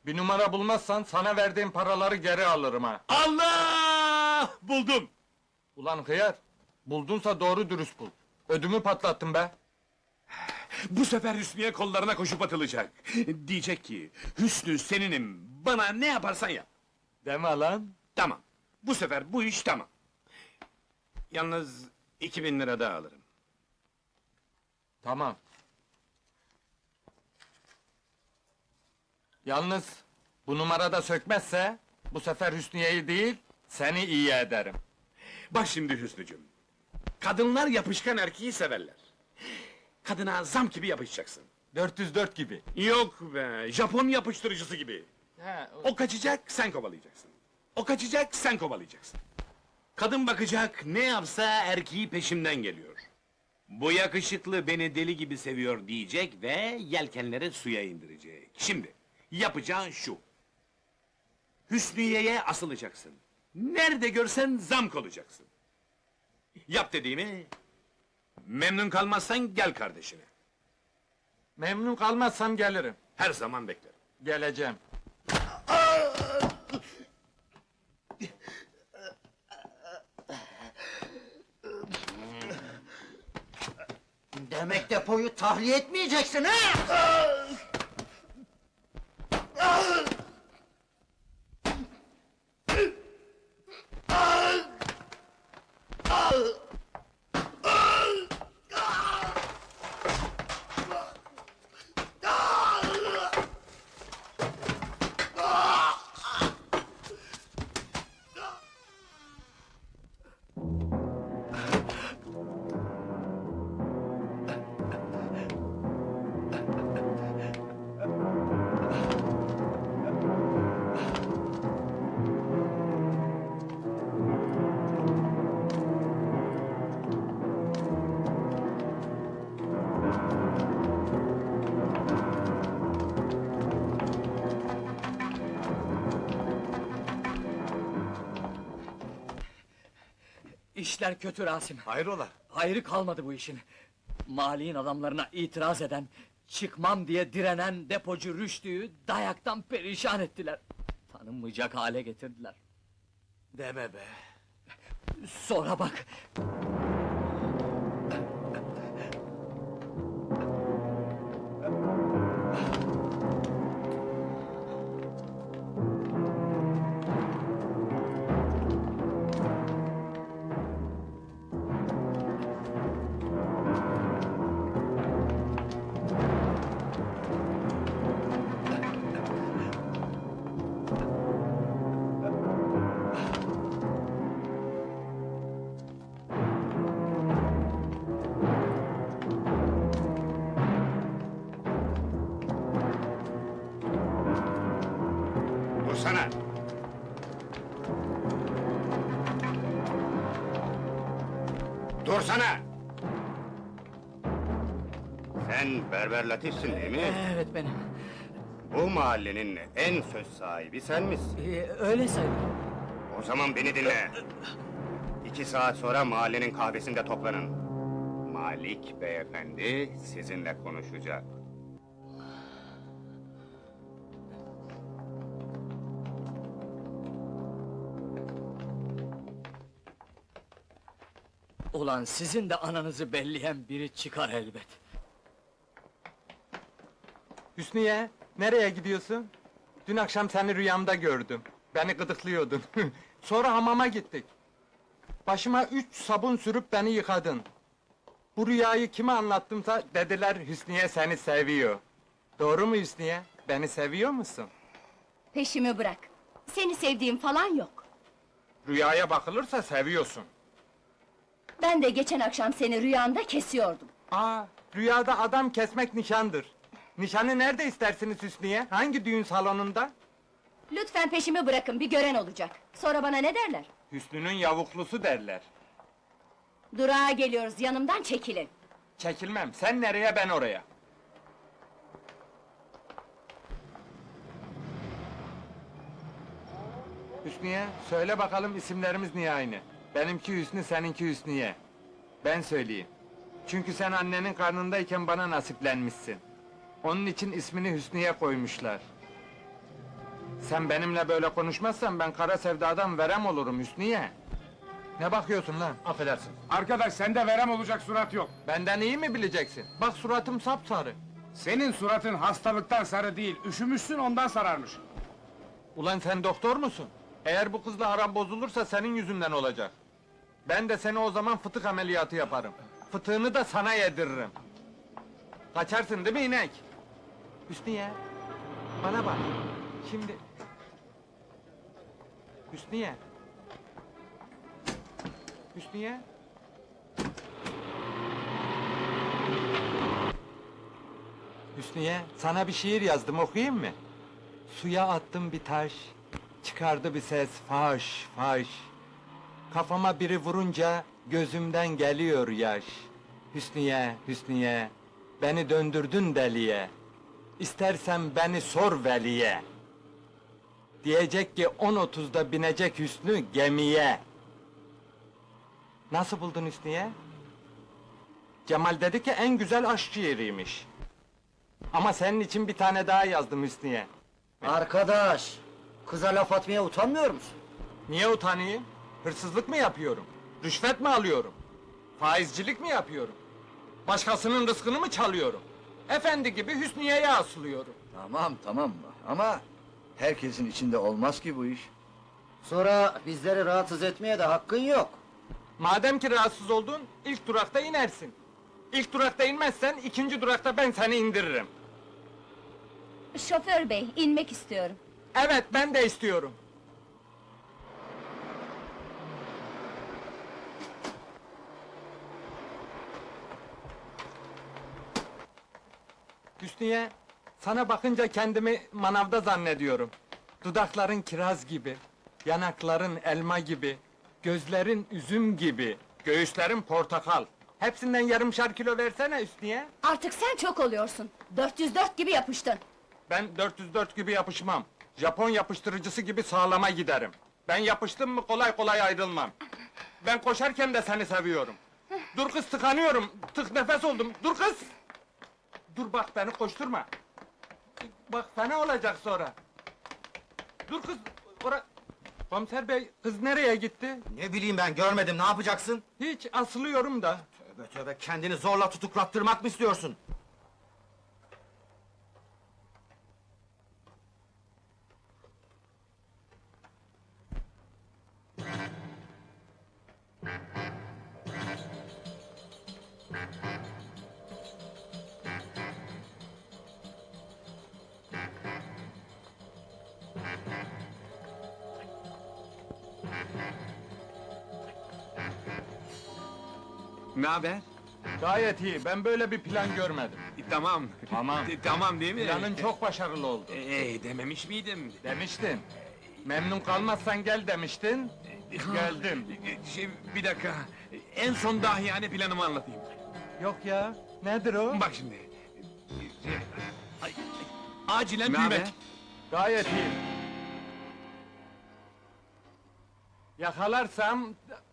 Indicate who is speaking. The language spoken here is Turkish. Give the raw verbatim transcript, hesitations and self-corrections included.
Speaker 1: Bir numara bulmazsan sana verdiğim paraları geri alırım ha.
Speaker 2: Allah! Buldum!
Speaker 1: Ulan hıyar, buldunsa doğru dürüst bul. Ödümü patlattın be.
Speaker 2: Bu sefer Hüsnü'ye kollarına koşup atılacak. Diyecek ki, Hüsnü seninim, bana ne yaparsan yap.
Speaker 1: Deme lan.
Speaker 2: Tamam, bu sefer bu iş tamam. Yalnız iki bin lira daha alırım.
Speaker 1: Tamam. Yalnız bu numarada sökmezse bu sefer Hüsniye'yi değil seni iyi ederim.
Speaker 2: Bak şimdi Hüsnücüm, kadınlar yapışkan erkeği severler. Kadına zam gibi yapışacaksın.
Speaker 1: dört yüz dört gibi.
Speaker 2: Yok be, Japon yapıştırıcısı gibi.
Speaker 1: He, o-
Speaker 2: O kaçacak, sen kovalayacaksın. O kaçacak, sen kovalayacaksın. Kadın bakacak, ne yapsa erkeği peşimden geliyor. Bu yakışıklı beni deli gibi seviyor diyecek ve yelkenleri suya indirecek. Şimdi, yapacağın şu. Hüsniye'ye asılacaksın. Nerede görsen zam olacaksın. Yap dediğimi, memnun kalmazsan gel kardeşine.
Speaker 1: memnun kalmazsam gelirim.
Speaker 2: Her zaman beklerim.
Speaker 1: Geleceğim.
Speaker 3: Demek depoyu tahliye etmeyeceksin ha?
Speaker 4: İşler kötü Rasim.
Speaker 2: Hayrola?
Speaker 4: Hayrı kalmadı bu işin. Mali'nin adamlarına itiraz eden, çıkmam diye direnen depocu Rüştü'yü dayaktan perişan ettiler. Tanınmayacak hale getirdiler.
Speaker 2: Deme be.
Speaker 4: Sonra bak,
Speaker 2: Dursana! Dursana!
Speaker 5: Sen Berber Latif'sin değil mi?
Speaker 4: evet benim.
Speaker 5: Bu mahallenin en söz sahibi sen misin?
Speaker 4: Ee, öyle sayılır.
Speaker 5: O zaman beni dinle. İki saat sonra mahallenin kahvesinde toplanın. Malik beyefendi sizinle konuşacak.
Speaker 4: Ulan sizin de ananızı belleyen biri çıkar elbet.
Speaker 1: Hüsniye, nereye gidiyorsun? Dün akşam seni rüyamda gördüm. Beni gıdıklıyordun. Sonra hamama gittik. Başıma üç sabun sürüp beni yıkadın. Bu rüyayı kime anlattımsa dediler Hüsniye seni seviyor. Doğru mu Hüsniye? Beni seviyor musun?
Speaker 6: Peşimi bırak. Seni sevdiğim falan yok.
Speaker 1: Rüyaya bakılırsa seviyorsun.
Speaker 6: Ben de geçen akşam seni rüyamda kesiyordum.
Speaker 1: Aa, rüyada adam kesmek nişandır. Nişanı nerede istersiniz Hüsniye? Hangi düğün salonunda?
Speaker 6: Lütfen peşimi bırakın, bir gören olacak. Sonra bana ne derler?
Speaker 1: Hüsnü'nün yavuklusu derler.
Speaker 6: Durağa geliyoruz, yanımdan çekilin.
Speaker 1: Çekilmem, sen nereye ben oraya. Hüsniye, söyle bakalım isimlerimiz niye aynı? Benimki Hüsnü, seninki Hüsniye. Ben söyleyeyim. Çünkü sen annenin karnındayken bana nasiplenmişsin. Onun için ismini Hüsniye koymuşlar. Sen benimle böyle konuşmazsan ben kara sevdadan verem olurum Hüsniye. Ne bakıyorsun lan?
Speaker 2: Affedersin.
Speaker 7: Arkadaş sende verem olacak surat yok.
Speaker 1: Benden iyi mi bileceksin? Bak suratım sapsarı.
Speaker 7: Senin suratın hastalıktan sarı değil, üşümüşsün ondan sararmış.
Speaker 1: Ulan sen doktor musun? Eğer bu kızla aram bozulursa senin yüzünden olacak. Ben de seni o zaman fıtık ameliyatı yaparım. Fıtığını da sana yediririm. Kaçarsın değil mi inek? Hüsniye, bana bak. Şimdi... Hüsniye. Hüsniye. Hüsniye, sana bir şiir yazdım, okuyayım mı? Suya attım bir taş, çıkardı bir ses, faş, faş. Kafama biri vurunca, gözümden geliyor yaş. Hüsniye, Hüsniye, beni döndürdün deliye. İstersen beni sor veliye. Diyecek ki on otuzda binecek Hüsnü gemiye. Nasıl buldun Hüsniye? Cemal dedi ki en güzel aşk şiiriymiş. Ama senin için bir tane daha yazdım Hüsniye.
Speaker 3: Arkadaş, kıza laf atmaya utanmıyor musun?
Speaker 1: Niye utanayım? Hırsızlık mı yapıyorum? Rüşvet mi alıyorum? Faizcilik mi yapıyorum? Başkasının rızkını mı çalıyorum? Efendi gibi Hüsniye'ye asılıyorum.
Speaker 8: Tamam tamam ama herkesin içinde olmaz ki bu iş.
Speaker 3: Sonra bizleri rahatsız etmeye de hakkın yok.
Speaker 1: Madem ki rahatsız oldun, ilk durakta inersin. İlk durakta inmezsen, ikinci durakta ben seni indiririm.
Speaker 6: Şoför bey, inmek istiyorum.
Speaker 1: Evet, ben de istiyorum. Hüsniye, sana bakınca kendimi manavda zannediyorum. Dudakların kiraz gibi, yanakların elma gibi, gözlerin üzüm gibi, göğüslerin portakal. Hepsinden yarımşar kilo versene Hüsniye.
Speaker 6: Artık sen çok oluyorsun. dört yüz dört gibi yapıştın.
Speaker 1: Ben dört yüz dört gibi yapışmam. Japon yapıştırıcısı gibi sağlama giderim. Ben yapıştım mı kolay kolay ayrılmam. Ben koşarken de seni seviyorum. Dur kız, tıkanıyorum. Tık nefes oldum. Dur kız! Dur bak, beni koşturma. Bak fena olacak sonra. Dur kız, ora... Komiser bey, kız nereye gitti?
Speaker 3: Ne bileyim ben, görmedim, ne yapacaksın?
Speaker 1: Hiç, asılıyorum da.
Speaker 3: Tövbe tövbe, kendini zorla tutuklattırmak mı istiyorsun?
Speaker 7: Ne haber?
Speaker 1: Gayet iyi, ben böyle bir plan görmedim.
Speaker 7: Tamam.
Speaker 1: Tamam.
Speaker 7: Tamam değil mi?
Speaker 1: Planın çok başarılı oldu.
Speaker 7: Ee, dememiş miydim?
Speaker 1: Demiştin. Memnun kalmazsan gel demiştin. Geldim.
Speaker 7: Şey, bir dakika. En son dahiyane planımı anlatayım.
Speaker 1: Yok ya, nedir o?
Speaker 7: Bak şimdi. Ay, ay, acilen büyümek.
Speaker 1: Gayet iyi. Yakalarsam